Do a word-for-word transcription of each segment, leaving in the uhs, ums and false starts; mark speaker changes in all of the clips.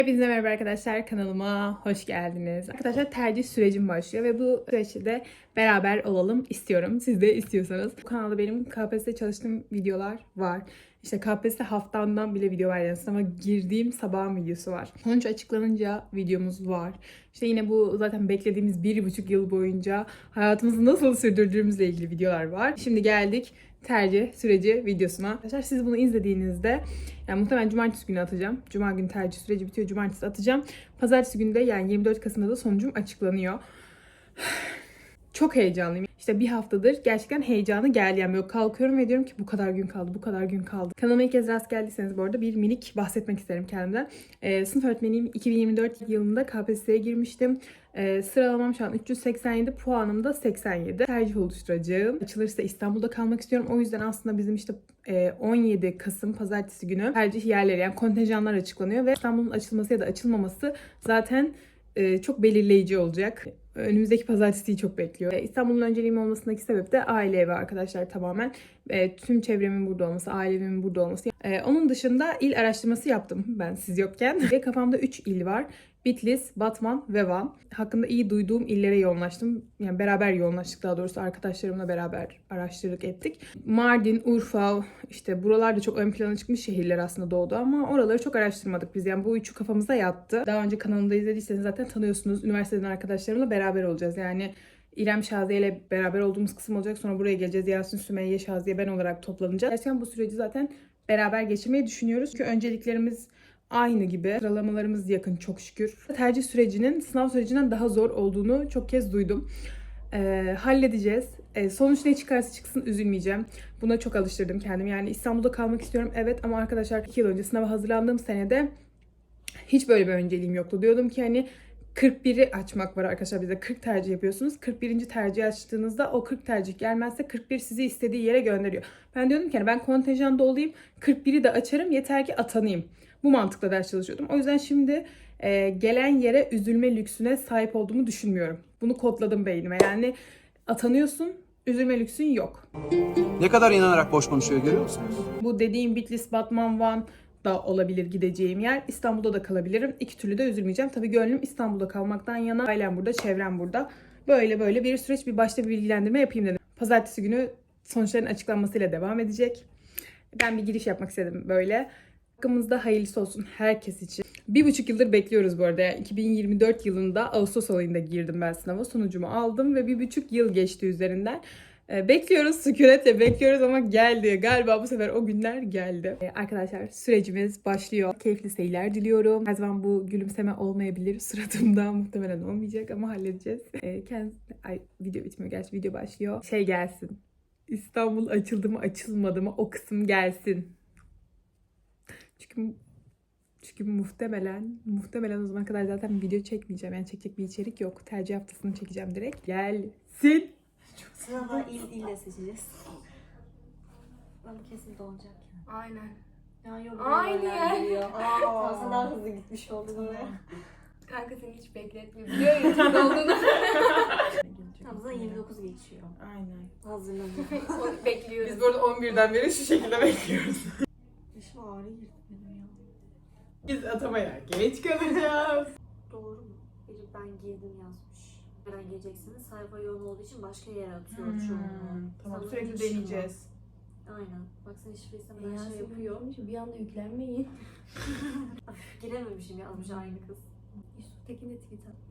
Speaker 1: Hepinize merhaba arkadaşlar, kanalıma hoş geldiniz. Arkadaşlar tercih sürecim başlıyor ve bu süreçte de beraber olalım istiyorum. Siz de istiyorsanız. Bu kanalda benim K P S S çalıştığım videolar var. İşte K P S S haftamdan bile video var, yani sınava girdiğim sabahın videosu var. Sonuç açıklanınca videomuz var. İşte yine bu zaten beklediğimiz bir buçuk yıl boyunca hayatımızı nasıl sürdürdüğümüzle ilgili videolar var. Şimdi geldik tercih süreci videosuna. Arkadaşlar siz bunu izlediğinizde, yani muhtemelen cumartesi günü atacağım. Cuma günü tercih süreci bitiyor, cumartesi atacağım. Pazartesi günü de, yani yirmi dört Kasım'da da sonucum açıklanıyor. Çok heyecanlıyım. İşte bir haftadır gerçekten heyecanı geldi. Yani böyle kalkıyorum ve diyorum ki bu kadar gün kaldı, bu kadar gün kaldı. Kanalıma ilk kez rast geldiyseniz bu arada bir minik bahsetmek isterim kendimden. Ee, sınıf öğretmeniyim. iki bin yirmi dört yılında K P S S'ye girmiştim. Ee, sıralamam şu an üç yüz seksen yedi, puanım da seksen yedi. Tercih oluşturacağım. Açılırsa İstanbul'da kalmak istiyorum. O yüzden aslında bizim işte on yedi Kasım pazartesi günü tercih yerleri, yani kontenjanlar açıklanıyor ve İstanbul'un açılması ya da açılmaması zaten çok belirleyici olacak. Önümüzdeki pazartesiyi çok bekliyor. İstanbul'un önceliğim olmasındaki sebep de aile ve arkadaşlar tamamen. E, tüm çevremin burada olması, ailemin burada olması. E, onun dışında il araştırması yaptım ben siz yokken. Ve kafamda üç il var. Bitlis, Batman ve Van. Hakkında iyi duyduğum illere yoğunlaştım. Yani beraber yoğunlaştık, daha doğrusu arkadaşlarımla beraber araştırdık ettik. Mardin, Urfa, işte buralar da çok ön plana çıkmış şehirler aslında doğuda, ama oraları çok araştırmadık biz. Yani bu üçü kafamıza yattı. Daha önce kanalımda izlediyseniz zaten tanıyorsunuz. Üniversiteden arkadaşlarımla beraber olacağız. Yani İrem, Şaziye ile beraber olduğumuz kısım olacak. Sonra buraya geleceğiz. Yasin, Sümeyye, Şaziye, ben olarak toplanacağız. Gerçekten bu süreci zaten beraber geçirmeyi düşünüyoruz. Çünkü önceliklerimiz aynı gibi. Sıralamalarımız yakın çok şükür. Tercih sürecinin sınav sürecinden daha zor olduğunu çok kez duydum. Ee, halledeceğiz. Ee, sonuç ne çıkarsa çıksın üzülmeyeceğim. Buna çok alıştırdım kendimi. Yani İstanbul'da kalmak istiyorum evet, ama arkadaşlar iki yıl önce sınava hazırlandığım senede hiç böyle bir önceliğim yoktu. Diyordum ki hani kırk biri açmak var arkadaşlar, bize kırk tercih yapıyorsunuz. kırk birinci tercih açtığınızda o kırk tercih gelmezse kırk bir sizi istediği yere gönderiyor. Ben diyordum ki hani ben kontenjanda olayım, kırk biri de açarım, yeter ki atanayım. Bu mantıkla ders çalışıyordum. O yüzden şimdi e, gelen yere üzülme lüksüne sahip olduğumu düşünmüyorum. Bunu kodladım beynime. Yani atanıyorsun, üzülme lüksün yok.
Speaker 2: Ne kadar inanarak boş konuşuyor, görüyor musunuz?
Speaker 1: Bu dediğim Bitlis, Batman, Van da olabilir gideceğim yer. İstanbul'da da kalabilirim. İki türlü de üzülmeyeceğim. Tabii gönlüm İstanbul'da kalmaktan yana. Ailem burada, çevrem burada. Böyle böyle bir süreç, bir başta bir bilgilendirme yapayım dedim. Pazartesi günü sonuçların açıklanmasıyla devam edecek. Ben bir giriş yapmak istedim böyle. Hakkımızda hayırlısı olsun herkes için. Bir buçuk yıldır bekliyoruz bu arada. Yani iki bin yirmi dört yılında Ağustos ayında girdim ben sınava. Sonucumu aldım ve bir buçuk yıl geçti üzerinden. Ee, bekliyoruz, sükunetle bekliyoruz ama geldi. Galiba bu sefer o günler geldi. Ee, arkadaşlar sürecimiz başlıyor. Keyifli seyirler diliyorum. Her zaman bu gülümseme olmayabilir suratımda. Muhtemelen olmayacak ama halledeceğiz. Ee, kend... Ay, video bitmiyor gerçi, video başlıyor. Şey gelsin. İstanbul açıldı mı açılmadı mı o kısım gelsin. Çünkü çünkü muhtemelen muhtemelen o zamana kadar zaten video çekmeyeceğim. Yani çekecek bir içerik yok. Tercih haftasını çekeceğim direkt. Gelsin.
Speaker 3: Sırada il ille seçeceğiz. Ben kesin dolacak ya.
Speaker 4: Aynen.
Speaker 3: Ya yok.
Speaker 4: Aynı yer.
Speaker 3: Aa, sen daha hızlı gitmiş oldun oraya.
Speaker 4: Kanka seni hiç bekletmiyor. Biliyor YouTube'da olduğunu.
Speaker 3: Tam zaten yirmi dokuz geçiyor.
Speaker 1: Aynen.
Speaker 3: Hazırlanıyorum.
Speaker 4: Onu bekliyoruz.
Speaker 1: Biz bu arada on birden beri şu şekilde bekliyoruz.
Speaker 3: Dişim ağrı girdi benim ya.
Speaker 1: Biz atamaya geç kalacağız.
Speaker 3: Doğru mu? Biri ben girdim yazmış. Nereden gireceksiniz? Sayfa yoğun olduğu için başka yere atıyor
Speaker 1: Hmm,
Speaker 3: çoğunluğu.
Speaker 1: tamam,
Speaker 3: Sana
Speaker 1: sürekli
Speaker 3: hiç
Speaker 1: deneyeceğiz.
Speaker 3: Aynen. Bak sen şifreyi sen
Speaker 4: Ya
Speaker 3: her şey yapıyor.
Speaker 4: Bir anda yüklenmeyin.
Speaker 3: Girememişim yazmış aynı kız.
Speaker 4: Yusuf Tekin de tweet at.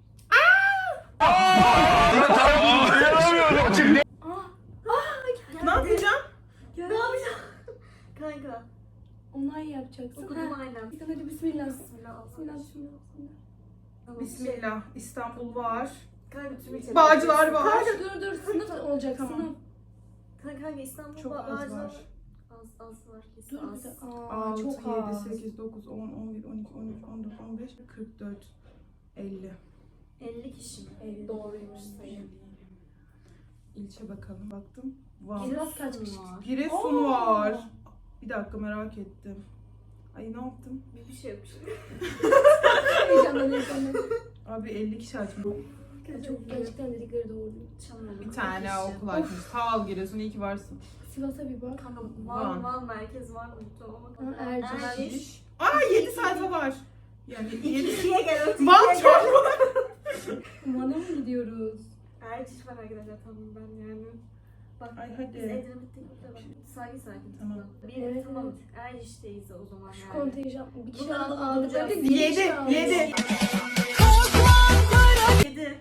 Speaker 1: Ne yapacağım?
Speaker 3: Ne yapacağım? Kanka.
Speaker 4: Onay yapacaksın.
Speaker 3: Okudum
Speaker 4: Ha.
Speaker 3: aynen.
Speaker 4: Bir tane de bismillah.
Speaker 3: Bismillah.
Speaker 4: Bismillah, bismillah, bismillah.
Speaker 3: Tamam,
Speaker 1: Bismillah. İstanbul var.
Speaker 3: Kanka tüm içeri.
Speaker 1: Bağcılar var.
Speaker 4: Kanka dur dur, sınıf olacak
Speaker 1: Tamam.
Speaker 4: sınıf.
Speaker 3: Kanka kanka İstanbul
Speaker 1: Çok az
Speaker 3: Bağcılar
Speaker 1: var.
Speaker 3: Az az var kesin
Speaker 4: Dur bir
Speaker 3: az.
Speaker 4: de. Aa,
Speaker 1: altı,
Speaker 4: çok az.
Speaker 1: yedi, sekiz, dokuz, on, on bir, on iki, on üç, on dört, on beş, kırk dört, elli.
Speaker 3: elli kişi mi?
Speaker 4: Evet.
Speaker 3: Doğruymuş sayı.
Speaker 1: İlçe bakalım. Baktım. Van.
Speaker 4: Giresun kaç kişi?
Speaker 3: var?
Speaker 1: Giresun
Speaker 4: Aa.
Speaker 1: var. Bir dakika, merak ettim. Ay ne yaptım?
Speaker 3: Bir bir şey yapmış.
Speaker 4: Heyecandan heyecandan.
Speaker 1: Abi elli kişi açmış.
Speaker 4: Çok gerçekten dedikleri doğru.
Speaker 3: Çalmıyorum.
Speaker 1: Bir tane okul açmış. Sağ ol Giresun, iyi ki varsın.
Speaker 4: Sivas'a bir bak.
Speaker 3: Kanka
Speaker 1: Van.
Speaker 3: Van Van merkez var mı? Tamam ama.
Speaker 4: Ha, Erciş.
Speaker 3: Erciş.
Speaker 1: Aa, yedi sayfa var. Yani
Speaker 3: İkinciye gel. öteki
Speaker 1: Bak
Speaker 3: gel.
Speaker 1: çok
Speaker 4: Van'a mı gidiyoruz?
Speaker 3: Erciş var arkadaşlar tamam ben yani. Bak
Speaker 1: Ay, hadi.
Speaker 3: biz Edremit'teyiz de bak. Sakin sakin.
Speaker 1: Tamam.
Speaker 3: Bir
Speaker 4: Evet,
Speaker 3: tamam.
Speaker 4: evet.
Speaker 3: Erciş'teyiz o zaman
Speaker 4: Şu
Speaker 3: yani.
Speaker 4: kontenjan bir kişi
Speaker 3: Bunları
Speaker 4: aldı
Speaker 3: alacağız.
Speaker 4: aldık.
Speaker 1: Yedi, yedi.
Speaker 3: Yedi.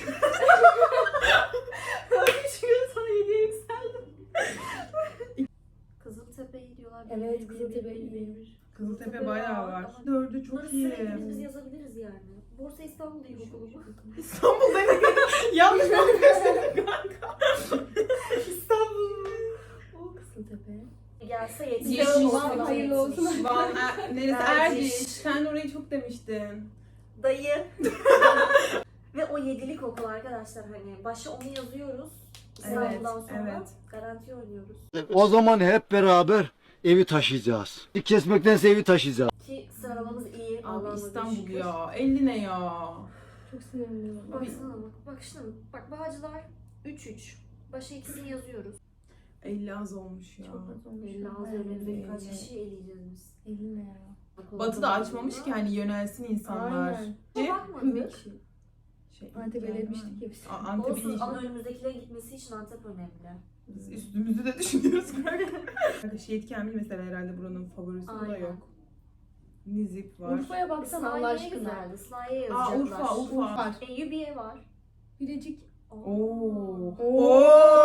Speaker 3: Üç gün sonra yediye yükseldim. Kızıltepe'yi diyorlar. bir,
Speaker 4: Evet
Speaker 3: bir,
Speaker 4: Kızıltepe
Speaker 3: bir, bir,
Speaker 4: iyi.
Speaker 3: bir.
Speaker 1: Kızıltepe bayağı var.
Speaker 3: Ama
Speaker 1: Dördü çok
Speaker 3: Bunları
Speaker 1: iyi.
Speaker 3: sürekli biz yazabiliriz yani. Borsa İstanbul'da ilkokulu bu.
Speaker 1: İstanbul'da yanlış bakıyorsun kanka. İstanbul.
Speaker 4: O Kızıltepe.
Speaker 3: Gelse
Speaker 4: Yetmiş
Speaker 3: yetmiş.
Speaker 4: olsun, hayırlı olsun.
Speaker 1: Van, er, neresi?
Speaker 3: Erciş.
Speaker 1: Erciş. Sen orayı çok demiştin.
Speaker 3: Dayı. Ve o yedilik okul arkadaşlar hani başa onu yazıyoruz. İstanbul'dan
Speaker 1: Evet,
Speaker 3: sonra
Speaker 1: evet.
Speaker 3: garanti oynuyoruz.
Speaker 5: O zaman hep beraber evi taşıyacağız. Kesmektense evi taşıyacağız.
Speaker 3: Ki sıralamamız iyi.
Speaker 1: Abi
Speaker 3: Allah'ıma
Speaker 1: İstanbul
Speaker 3: şükür.
Speaker 1: ya. elli ne ya?
Speaker 4: Çok sinirliyim.
Speaker 3: Baksana bak. Bak şimdi bak Bağcılar üç üç. Başa ikisini yazıyoruz.
Speaker 1: elli az olmuş ya.
Speaker 4: Çok az olmuş.
Speaker 3: elli az
Speaker 4: Aynen.
Speaker 3: önümüzdeki kaç
Speaker 1: elli.
Speaker 3: kişi eleyeceğiz biz.
Speaker 4: elli ne ya?
Speaker 1: Batı da açmamış ki hani yönelsin insanlar.
Speaker 4: Aynen.
Speaker 1: Şey,
Speaker 3: Bakmadık.
Speaker 1: Şey,
Speaker 4: Antep'e
Speaker 1: yani-
Speaker 4: demiştik ya biz.
Speaker 1: A- Antep'in
Speaker 3: Olsun
Speaker 1: işi.
Speaker 3: ama önümüzdekilerin gitmesi için Antep önemli.
Speaker 1: Biz üstümüzü de düşünüyoruz kanka. Şehit Kamil mesela herhalde buranın favorisi, bu da
Speaker 3: Aynen.
Speaker 1: yok. Nizip var.
Speaker 4: Urfa'ya baksana Allah
Speaker 3: Slahiye
Speaker 4: aşkına.
Speaker 3: güzeldi. Slahiye
Speaker 1: Aa
Speaker 3: yazacaklar.
Speaker 1: Urfa, Urfa.
Speaker 4: Urfa.
Speaker 3: Eyyubiye var.
Speaker 4: Bilecik.
Speaker 1: Oo.
Speaker 4: Oo.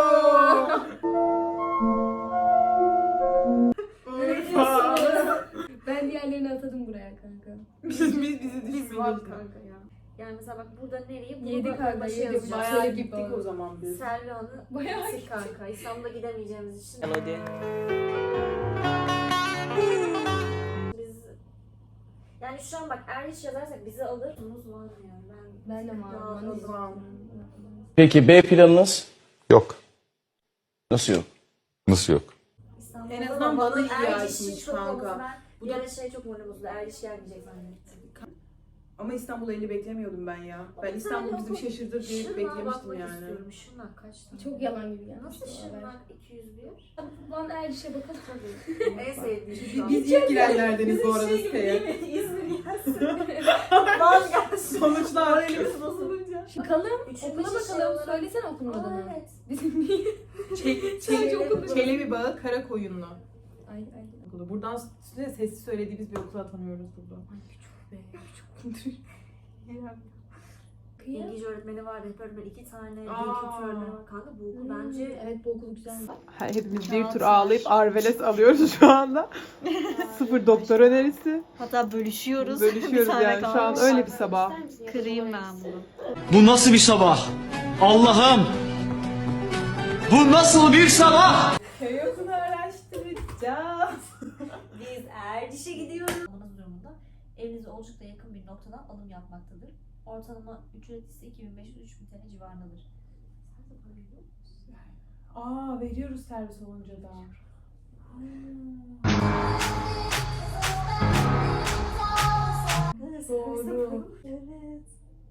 Speaker 1: Urfa.
Speaker 4: Ben diğerlerini atadım buraya kanka.
Speaker 1: Biz biz bizi
Speaker 3: Biz var
Speaker 1: düşünmüyoruz.
Speaker 3: kanka ya. Yani mesela bak burada nereye? Bunu
Speaker 4: Yedi
Speaker 3: da
Speaker 4: kanka,
Speaker 3: başa
Speaker 4: yedi.
Speaker 3: yazacağız.
Speaker 1: Bayağı
Speaker 4: Şöyle
Speaker 1: gittik
Speaker 4: gibi
Speaker 1: o zaman biz.
Speaker 3: Selvihan'ı
Speaker 4: Bayağı
Speaker 3: gittik kanka. İstanbul'a gidemeyeceğimiz için.
Speaker 1: Melodi.
Speaker 3: Biz yani şu an bak Erliş yazarsak bizi alır. Umuz var mı yani? Ben,
Speaker 4: Ben de var.
Speaker 3: Daha
Speaker 4: Van'ı
Speaker 3: az
Speaker 4: istiyorum.
Speaker 6: Peki B planınız?
Speaker 7: Yok.
Speaker 6: Nasıl yok?
Speaker 7: Nasıl yok?
Speaker 3: İstanbul'da
Speaker 1: En azından
Speaker 3: da
Speaker 1: bana iyi
Speaker 3: Erliş'in
Speaker 1: açmış
Speaker 3: çok
Speaker 1: kanka.
Speaker 3: olması ben
Speaker 1: Bu
Speaker 3: bir
Speaker 1: da-
Speaker 3: ara şey çok moralımızda. Erliş gelmeyecek zannettim.
Speaker 1: Ama İstanbul'a elli beklemiyordum ben ya. Ben
Speaker 3: Bir
Speaker 1: İstanbul
Speaker 3: tane
Speaker 1: bizi bir
Speaker 3: okul-
Speaker 1: şaşırtır diye
Speaker 3: Şırnağa
Speaker 1: beklemiştim
Speaker 3: bakmak
Speaker 1: yani.
Speaker 3: istiyorum. Şırnak kaç tane?
Speaker 4: Çok yalan gibi gelmiş.
Speaker 3: Nasıl
Speaker 4: bu haber.
Speaker 3: Şırnak iki yüz bir?
Speaker 4: Van Erciş'e bakalım.
Speaker 3: en sevdiğim şu an.
Speaker 1: Biz ilk girenlerdeniz bu arada
Speaker 3: Şey gibi değil
Speaker 1: siteye.
Speaker 3: mi? İzmir gelsin. Van gelsin.
Speaker 1: Sonuçlar.
Speaker 3: Moralimiz bozulunca.
Speaker 4: Bakalım.
Speaker 3: Üçüncü
Speaker 4: Okula
Speaker 3: şey
Speaker 4: bakalım.
Speaker 3: olarak-
Speaker 4: Söylesene okulun
Speaker 3: Aa
Speaker 4: adını.
Speaker 3: evet.
Speaker 4: Bizim niye?
Speaker 1: Çek,
Speaker 4: Sadece
Speaker 1: çek,
Speaker 4: okul-
Speaker 1: Çelebi Bağı Karakoyunlu
Speaker 4: Ay ay.
Speaker 1: okulu. Buradan size sessiz söylediğimiz bir okula tanıyoruz burada.
Speaker 4: Be, Kıyım.
Speaker 3: İngilizce öğretmeni var, rehber öğretmeni iki tane, dil
Speaker 1: Aa.
Speaker 3: kültürü öğretmeni var. Kanka bu okul
Speaker 4: Hmm,
Speaker 3: bence
Speaker 4: Evet bu okul güzel.
Speaker 1: Hepimiz
Speaker 3: bir tur ağlayıp
Speaker 1: Arveles alıyoruz şu anda. Sıfır doktor önerisi.
Speaker 3: hatta bölüşüyoruz.
Speaker 1: Bölüşüyoruz yani şu an öyle bir sabah.
Speaker 3: Kırayım ben bunu.
Speaker 6: Bu nasıl bir sabah? Allah'ım! Bu nasıl bir sabah?
Speaker 1: Köy okulu araştıracağız.
Speaker 3: Biz Erciş'e gidiyoruz. Almanız durumunda evinize Olcuk'ta yakın bir noktadan alım yapmaktadır. Ortalama ücret ise iki bin beş yüz üç bin T L civarındadır. Sen de para veriyor musun?
Speaker 1: Aa veriyoruz servis olunca da.
Speaker 4: Doğru.
Speaker 3: Evet.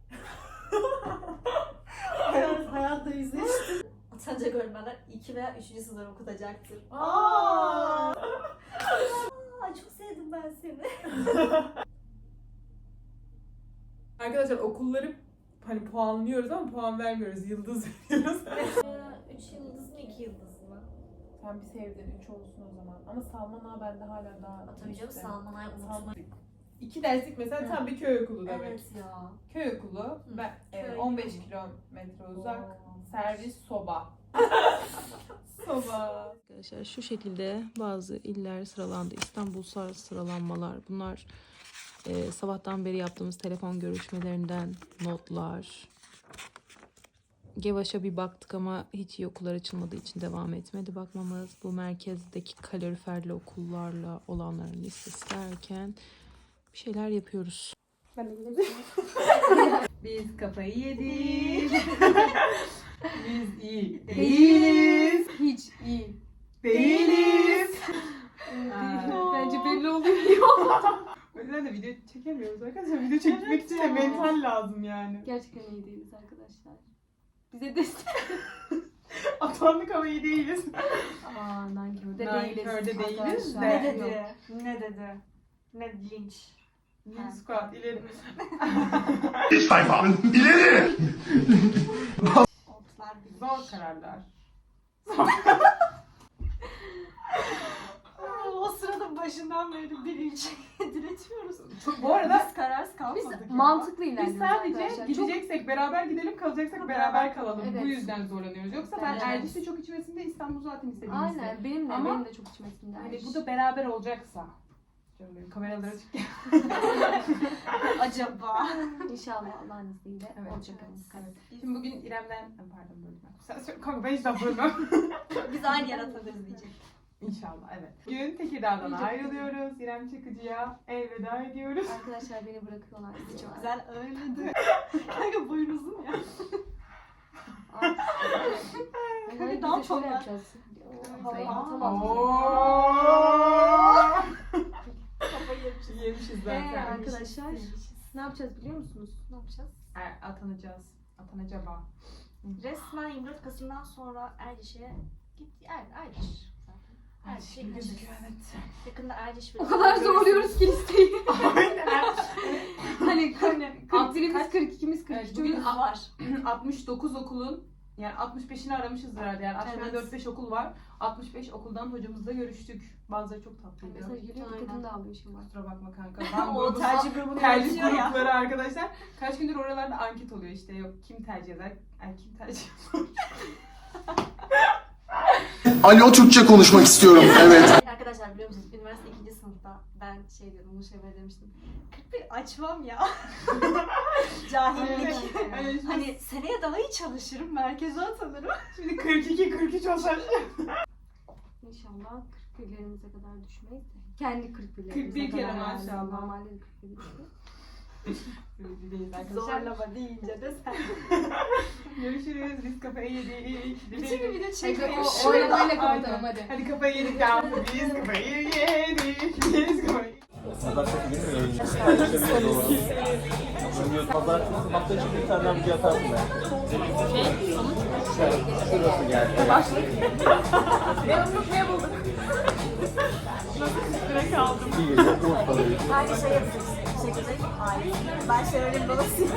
Speaker 3: hayat, hayatta yüzleştim. Atanacak öğretmenler iki veya üçüncü sınıfları okutacaktır.
Speaker 1: Aa!
Speaker 3: Aa, çok sevdim ben seni.
Speaker 1: Arkadaşlar okulları hani puanlıyoruz ama puan vermiyoruz. Yıldız veriyoruz.
Speaker 3: Üç yıldız mı iki yıldız mı?
Speaker 1: Sen bir sevdin. Üç olsun o zaman. Ama Salman Ağa bende hala daha...
Speaker 3: Tabii canım
Speaker 1: işte.
Speaker 3: Salman Ay
Speaker 1: Salman-
Speaker 3: unutma.
Speaker 1: İki derslik mesela tam bir köy okulu demek.
Speaker 3: Evet ya.
Speaker 1: Köy okulu ve e,
Speaker 3: Köy
Speaker 1: on beş
Speaker 3: okulu.
Speaker 1: kilometre uzak.
Speaker 3: Oo.
Speaker 1: Servis soba. Soba.
Speaker 8: Arkadaşlar şu şekilde bazı iller sıralandı. İstanbulsal sıralanmalar. Bunlar e, sabahtan beri yaptığımız telefon görüşmelerinden notlar. Gevaş'a bir baktık ama hiç iyi okullar açılmadığı için devam etmedi bakmamız. Bu merkezdeki kaloriferli okullarla olanların listesi derken bir şeyler yapıyoruz.
Speaker 1: Biz kafayı yedik. Biz iyi değiliz.
Speaker 4: Hiç iyi.
Speaker 1: Değiliz.
Speaker 4: Bence belli oluyor.
Speaker 1: O yüzden de video çekemiyoruz arkadaşlar. Video çekmek için de mental lazım yani.
Speaker 4: Gerçekten iyi değiliz arkadaşlar. Bize destek.
Speaker 1: Atandık ama iyi değiliz.
Speaker 4: Aa nankörde
Speaker 1: Nankörde değiliz
Speaker 4: arkadaşlar.
Speaker 1: de.
Speaker 3: Ne dedi? Ne dedi? Ne linç?
Speaker 1: New squat ileri.
Speaker 3: Otlar bir.
Speaker 1: Zor kararlar.
Speaker 3: O sırada başından beri bir ilçe diretiyoruz.
Speaker 1: Bu arada
Speaker 3: Biz kararsız
Speaker 4: Biz
Speaker 3: kalmadık ya.
Speaker 4: mantıklı
Speaker 1: biz
Speaker 4: ilerliyoruz
Speaker 1: sadece
Speaker 4: arkadaşlar. Çok
Speaker 1: gideceksek beraber gidelim, kalacaksak beraber kalalım.
Speaker 4: Evet.
Speaker 1: Bu yüzden zorlanıyoruz. Yoksa ben
Speaker 4: Evet.
Speaker 1: Erciş'te çok içmesinde İstanbul zaten istediğim
Speaker 4: aynen benim de
Speaker 1: Ama
Speaker 4: benim de çok içmesimden.
Speaker 1: Hani bu da beraber olacaksa. Canım benim kameralara çık.
Speaker 3: Acaba.
Speaker 4: İnşallah Allah'ın izniyle
Speaker 1: Evet.
Speaker 4: olacak ama.
Speaker 1: Evet. Şimdi bugün İrem'den... Pardon böldüm. Sen söyle kanka ben hiç laf bölmem.
Speaker 3: Biz aynı yer atabiliriz diyecek.
Speaker 1: İnşallah evet. Bugün Tekirdağ'dan ayrılıyoruz. İrem Çakıcı'ya elveda ediyoruz.
Speaker 4: Arkadaşlar beni bırakıyorlar.
Speaker 3: Bizi çok güzel ağırladı. Kanka boyun uzun ya.
Speaker 4: Hadi
Speaker 3: ne
Speaker 4: ne
Speaker 3: yapalım
Speaker 4: şöyle
Speaker 3: lan?
Speaker 4: yapacağız.
Speaker 3: Havayı
Speaker 4: Atamam.
Speaker 3: Kafayı yemişiz.
Speaker 1: Yemişiz
Speaker 4: Ee,
Speaker 1: zaten.
Speaker 4: arkadaşlar ne yapacağız biliyor musunuz?
Speaker 3: Ne yapacağız?
Speaker 1: Er, atanacağız. Atanacaba.
Speaker 3: Resmen yirmi dört Kasım'dan sonra Erciş'e gitti. Er, Erciş zaten. Erciş'e gideceğiz.
Speaker 1: evet.
Speaker 3: Yakında Erciş
Speaker 4: O kadar zorluyoruz ki listeyi.
Speaker 1: Aynen.
Speaker 4: Hani kırk
Speaker 1: Alt-
Speaker 4: birimiz
Speaker 1: kaç-
Speaker 4: kırk ikimiz kırk
Speaker 1: Evet,
Speaker 4: üç.
Speaker 1: bugün
Speaker 3: Bugün var.
Speaker 1: altmış dokuz okulun yani altmış beşini aramışız herhalde. Yani aşağıda
Speaker 3: Evet.
Speaker 1: dört beş okul var. altmış beş okuldan hocamızla görüştük. Bazıları çok tatlıydı.
Speaker 4: Mesela yürüyor
Speaker 3: Aynen.
Speaker 4: dikkatini de alıyor şimdi.
Speaker 1: Kusura bakma kanka. Ben
Speaker 3: O
Speaker 1: grubum-
Speaker 3: tercih grubunu
Speaker 1: tercih
Speaker 3: yönetiyor ya.
Speaker 1: grupları arkadaşlar. Kaç gündür oralarda anket oluyor işte. Yok kim tercih eder? Ay kim tercih eder?
Speaker 7: Alo, Türkçe konuşmak istiyorum. Evet.
Speaker 3: Arkadaşlar biliyor musunuz? Üniversite ikinci sınıfta ben şey diyordum, bunu şey böyle demiştim. kırk bir açmam ya. Cahillik.
Speaker 1: Evet, evet.
Speaker 3: Hani seneye daha iyi çalışırım, merkeze atanırım.
Speaker 1: Şimdi kırk iki kırk üç olsa.
Speaker 4: İnşallah kırk birlerimize kadar düşmeyiz de. Kendi kırk birlerimize
Speaker 1: kırk bir
Speaker 4: kadar.
Speaker 1: kere
Speaker 4: yani.
Speaker 1: maşallah.
Speaker 4: Normalde de kırk bir düşüyor.
Speaker 1: Öyle değil arkadaşlar.
Speaker 3: Zorlama deyince de sen.
Speaker 1: Görüşürüz. Biz kafayı yedik.
Speaker 3: Bütün bir video
Speaker 4: Hadi
Speaker 3: çekiyor.
Speaker 4: o oylamayla
Speaker 1: Aynen.
Speaker 4: kapatalım hadi.
Speaker 1: Hadi kafayı yedik tamam. Biz kafayı yedik. Biz kafayı
Speaker 9: Pazartesi günü mü yayınlayacağız? Pazartesi hafta içi bir tane video atarsın ben. Şey, sonuç? Şurası geldi.
Speaker 1: başladık. Ne umut ne bulduk? Nasıl üstüne kaldım?
Speaker 9: İyi geliyor. Umut kalıyor.
Speaker 3: Aynı şey yapacağız. Çekecek. Hayır. Ben şöyle babasıyım.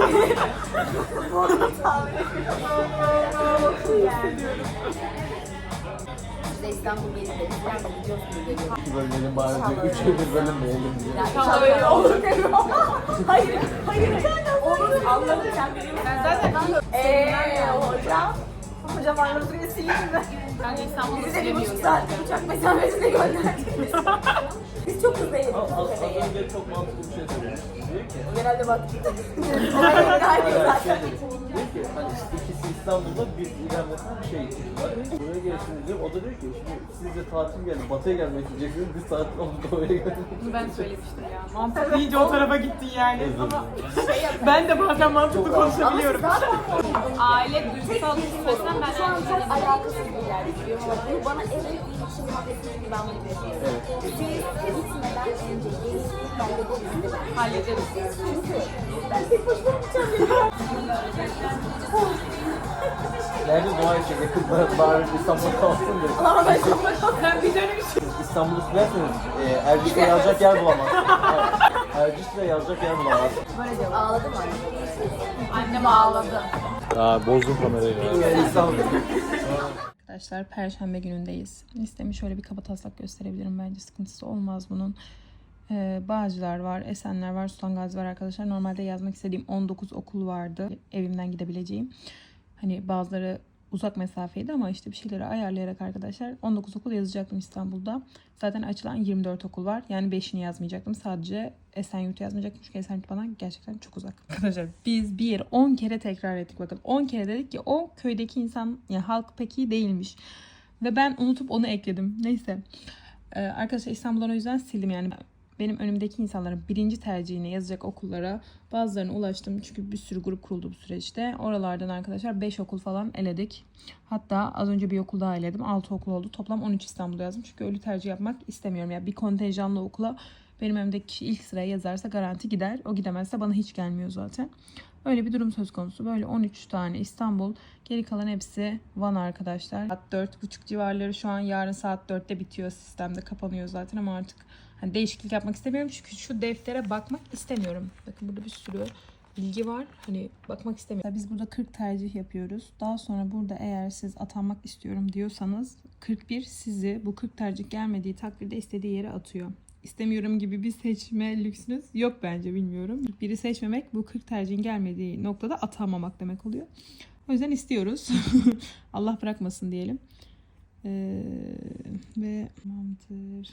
Speaker 4: Biz de İstanbul Bey'de
Speaker 9: İki bölmenin bari bir üç bir bölüm beğendim diye.
Speaker 1: İnşallah öyle olur.
Speaker 3: Hayır. Hayır. Olur. Anladım kendimi.
Speaker 1: Ben zaten
Speaker 3: Eee hocam. Hocam Arnavut üyesiyim mi?
Speaker 1: ben İstanbul'da
Speaker 3: Bize bir buçuk saat uçak mesafesine gönderdiniz. Biz çok hızlı yedik.
Speaker 9: Az, az önce çok mantıklı bir şey söylemiş. Diyor ki,
Speaker 3: Genelde bak.
Speaker 9: hayır, şey dedi. Diyor ki, hani ikisi İstanbul'da bir İrem'desine bir şey var. Buraya gelirsiniz diyor. O da diyor ki, şimdi siz de tatil gelin, batıya gelmek isteyeceksiniz. Biz tatil olup doğuya gelmek.
Speaker 1: Bunu ben söylemiştim ya. Mantıklı iyice o tarafa gittin yani. Ama
Speaker 9: Ama
Speaker 1: ben de bazen mantıklı konuşabiliyorum.
Speaker 8: Aile duygusal düşünmesinden ben
Speaker 3: Şu an çok alakasız bir yer gidiyor. Bu bana en büyük iletişim muhabbetini gibi ben bunu yapıyorum. Siz gitmeden önce geliştirip hallederiz.
Speaker 8: hallederiz.
Speaker 3: Çünkü ben tek başıma gideceğim ya.
Speaker 9: nerede doğa için yakın bari, bari İstanbul'da kalsın diyor.
Speaker 3: Ama ben çok
Speaker 1: Ben bir dönem için.
Speaker 9: İstanbul'u silerseniz e, Erciş'te yazacak yer bulamazsınız. Evet. Erciş'te yazacak yer bulamazsınız.
Speaker 3: ağladım anne.
Speaker 8: Annem ağladı.
Speaker 9: Aa, bozdum kamerayı. İstanbul.
Speaker 1: Arkadaşlar Perşembe günündeyiz. Listemi şöyle bir kabataslak gösterebilirim. Bence sıkıntısı olmaz bunun. Ee, Bağcılar var, Esenler var, Sultan Gazi var arkadaşlar. Normalde yazmak istediğim on dokuz okul vardı. Evimden gidebileceğim. Hani bazıları uzak mesafeydi ama işte bir şeyleri ayarlayarak arkadaşlar on dokuz okul yazacaktım İstanbul'da. Zaten açılan yirmi dört okul var. Yani beşini yazmayacaktım. Sadece Esenyurt'u yazmayacaktım. Çünkü Esenyurt bana gerçekten çok uzak. Arkadaşlar biz bir on kere tekrar ettik bakın. on kere dedik ki o köydeki insan yani halk pek iyi değilmiş. Ve ben unutup onu ekledim. Neyse. Ee, arkadaşlar İstanbul'dan o yüzden sildim yani. Benim önümdeki insanların birinci tercihine yazacak okullara bazılarına ulaştım. Çünkü bir sürü grup kuruldu bu süreçte. Oralardan arkadaşlar beş okul falan eledik. Hatta az önce bir okul daha eledim. altı okul oldu. Toplam on üç İstanbul'da yazdım. Çünkü öyle tercih yapmak istemiyorum. Yani bir kontenjanlı okula benim önümdeki kişi ilk sıraya yazarsa garanti gider. O gidemezse bana hiç gelmiyor zaten. Öyle bir durum söz konusu. Böyle on üç tane İstanbul. Geri kalan hepsi Van arkadaşlar. Saat dört buçuk civarları şu an. Yarın saat dörtte bitiyor. Sistemde kapanıyor zaten ama artık Hani değişiklik yapmak istemiyorum çünkü şu deftere bakmak istemiyorum. Bakın burada bir sürü bilgi var. Hani bakmak istemiyorum. Biz burada kırk tercih yapıyoruz. Daha sonra burada eğer siz atanmak istiyorum diyorsanız kırk bir sizi bu kırk tercih gelmediği takdirde istediği yere atıyor. İstemiyorum gibi bir seçme lüksünüz yok bence, bilmiyorum. Biri seçmemek bu kırk tercihin gelmediği noktada atanmamak demek oluyor. O yüzden istiyoruz. Allah bırakmasın diyelim. Ee, ve tamamdır.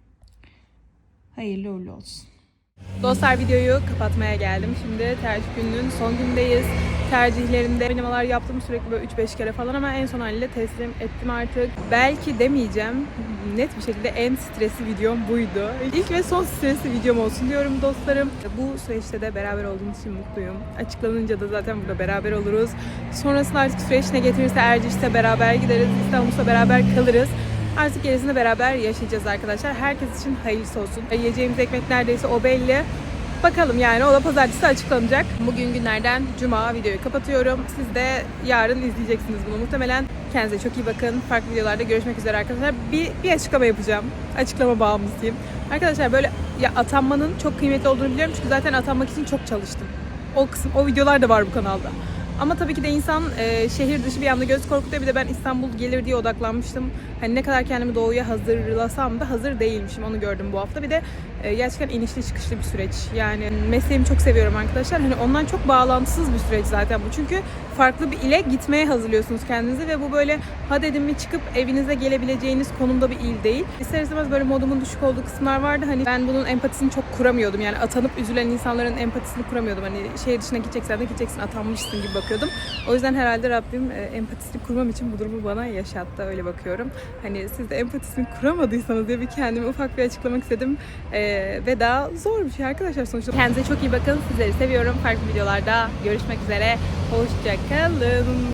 Speaker 1: Hayırlı uğurlu olsun. Dostlar, videoyu kapatmaya geldim. Şimdi tercih gününün son günündeyiz. Tercihlerinde oynamalar yaptım sürekli böyle üç beş kere falan ama en son haliyle teslim ettim artık. Belki demeyeceğim. Net bir şekilde en stresli videom buydu. İlk ve son stresli videom olsun diyorum dostlarım. Bu süreçte de beraber olduğumuz için mutluyum. Açıklanınca da zaten burada beraber oluruz. Sonrasında artık süreç ne getirirse Erciş'te beraber gideriz. İstanbul'da beraber kalırız. Artık gerisini beraber yaşayacağız arkadaşlar. Herkes için hayırlısı olsun. Yiyeceğimiz ekmek neredeyse o belli. Bakalım yani, o da pazartesi açıklanacak. Bugün günlerden cuma, videoyu kapatıyorum. Siz de yarın izleyeceksiniz bunu muhtemelen. Kendinize çok iyi bakın. Farklı videolarda görüşmek üzere arkadaşlar. Bir, bir açıklama yapacağım. Açıklama bağımlısıyım. Arkadaşlar böyle ya atanmanın çok kıymetli olduğunu biliyorum. Çünkü zaten atanmak için çok çalıştım. O kısım, o videolar da var bu kanalda. Ama tabii ki de insan e, şehir dışı bir anda göz korkutuyor. Bir de ben İstanbul gelir diye odaklanmıştım. Hani ne kadar kendimi doğuya hazırlasam da hazır değilmişim. Onu gördüm bu hafta. Bir de e, gerçekten inişli çıkışlı bir süreç. Yani mesleğimi çok seviyorum arkadaşlar. Hani ondan çok bağlantısız bir süreç zaten bu. Çünkü farklı bir ile gitmeye hazırlıyorsunuz kendinizi ve bu böyle ha dedim mi çıkıp evinize gelebileceğiniz konumda bir il değil. İster istemez böyle modumun düşük olduğu kısımlar vardı. Hani ben bunun empatisini çok kuramıyordum. Yani atanıp üzülen insanların empatisini kuramıyordum. Hani şehir dışına gideceksen de gideceksin, atanmışsın gibi bakıyordum. O yüzden herhalde Rabbim e, empatisini kurmam için bu durumu bana yaşattı. Öyle bakıyorum. Hani siz de empatisini kuramadıysanız diye bir kendime ufak bir açıklamak istedim. E, ve daha zor bir şey arkadaşlar sonuçta. Kendinize çok iyi bakın. Sizleri seviyorum. Farklı videolarda görüşmek üzere. Hoşça kalın.